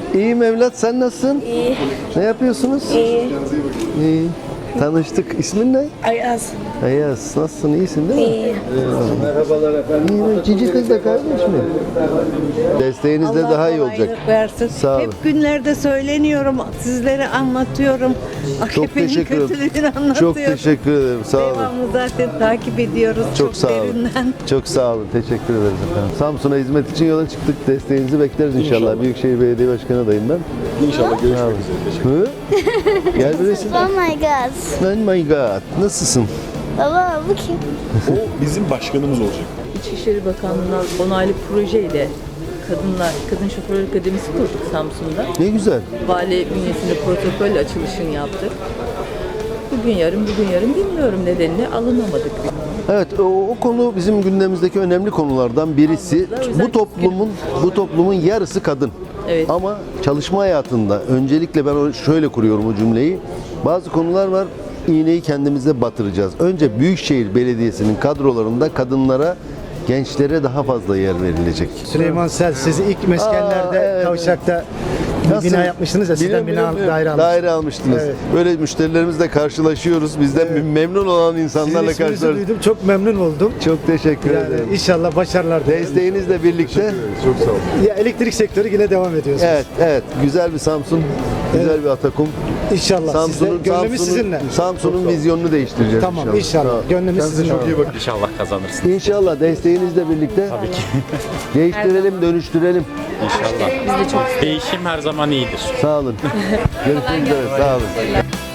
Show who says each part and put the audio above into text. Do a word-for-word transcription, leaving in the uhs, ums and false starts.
Speaker 1: İyiyim evlat, sen nasılsın?
Speaker 2: İyi.
Speaker 1: Ne yapıyorsunuz?
Speaker 2: İyi.
Speaker 1: İyi. Tanıştık. İsmin ne?
Speaker 2: Ayaz.
Speaker 1: Ayaz. Nasılsın? İyisin değil mi?
Speaker 2: İyi.
Speaker 1: Merhabalar efendim. İyi. Cici kız da kardeş mi? Desteğinizle
Speaker 3: Allah
Speaker 1: daha iyi olacak.
Speaker 3: kolaylık versin.
Speaker 1: Sağ olun.
Speaker 3: Hep günlerde söyleniyorum, sizlere anlatıyorum.
Speaker 1: Çok
Speaker 3: A K P'nin
Speaker 1: teşekkür ederim.
Speaker 3: kötülüğünü anlatıyorum.
Speaker 1: Çok teşekkür ederim. Sağ olun.
Speaker 3: Devamlı zaten takip ediyoruz çok,
Speaker 1: Çok sağ olun.
Speaker 3: derinden.
Speaker 1: Çok sağ olun. Teşekkür ederiz efendim. Samsun'a hizmet için yola çıktık. Desteğinizi bekleriz inşallah.
Speaker 4: İnşallah.
Speaker 1: Büyükşehir Belediye Başkanı adayım ben.
Speaker 4: İnşallah görüşmek üzere. Teşekkür
Speaker 1: Hı? Gel bir resim.
Speaker 5: Oh my god.
Speaker 1: Oh my god. Nasılsın?
Speaker 5: Baba bu kim?
Speaker 4: O bizim başkanımız olacak.
Speaker 6: İçişleri Bakanlığı'ndan onaylı projeyle Kadınlar, Kadın Şoförler Akademisi kurduk Samsun'da.
Speaker 1: Ne güzel.
Speaker 6: Vali bünyesinde protokolle açılışını yaptık. Bugün yarın, bugün yarın bilmiyorum nedenini alınamadık.
Speaker 1: Evet, o, o konu bizim gündemimizdeki önemli konulardan birisi.
Speaker 6: O yüzden
Speaker 1: Bu toplumun bu toplumun yarısı kadın.
Speaker 6: Evet.
Speaker 1: Ama çalışma hayatında öncelikle ben o- şöyle kuruyorum o cümleyi. Bazı konular var. İğneyi kendimize batıracağız. Önce Büyükşehir Belediyesi'nin kadrolarında kadınlara, gençlere daha fazla yer verilecek.
Speaker 7: Süleyman Sel, siz ilk meskenlerde
Speaker 1: Aa, evet.
Speaker 7: Kavşak'ta bir
Speaker 1: Nasıl?
Speaker 7: bina yapmıştınız ya, sizden
Speaker 1: Biliyorum,
Speaker 7: bina
Speaker 1: biliyorum,
Speaker 7: daire
Speaker 1: biliyorum.
Speaker 7: almıştınız.
Speaker 1: Daire almıştınız.
Speaker 7: Evet.
Speaker 1: Böyle müşterilerimizle karşılaşıyoruz. Bizden memnun olan
Speaker 7: Sizin
Speaker 1: insanlarla
Speaker 7: isminizi
Speaker 1: karşılaşıyoruz.
Speaker 7: duydum, çok memnun oldum.
Speaker 1: Çok teşekkür ederim.
Speaker 7: Yani inşallah başarılar dilerim.
Speaker 1: Desteğinizle birlikte.
Speaker 4: Çok sağ olun.
Speaker 7: Ya, elektrik sektörü yine devam ediyorsunuz.
Speaker 1: Evet, evet. Güzel bir Samsun, güzel bir Atakum.
Speaker 7: İnşallah.
Speaker 1: Samsun'un
Speaker 7: Sizde, gönlümüz
Speaker 1: Samsun'un
Speaker 7: sizinle.
Speaker 1: Samsun'un vizyonunu değiştireceğiz
Speaker 7: Tamam,
Speaker 1: inşallah.
Speaker 7: inşallah.
Speaker 1: Sağ ol.
Speaker 7: Gönlümüz
Speaker 1: Kendinize
Speaker 7: sizinle.
Speaker 1: çok iyi bakın.
Speaker 8: İnşallah kazanırsın.
Speaker 1: İnşallah desteğinizle birlikte. Tabii ki. Değiştirelim, dönüştürelim.
Speaker 8: İnşallah. Değişim her zaman iyidir.
Speaker 1: Sağ olun. Görüşmek üzere. Sağ olun.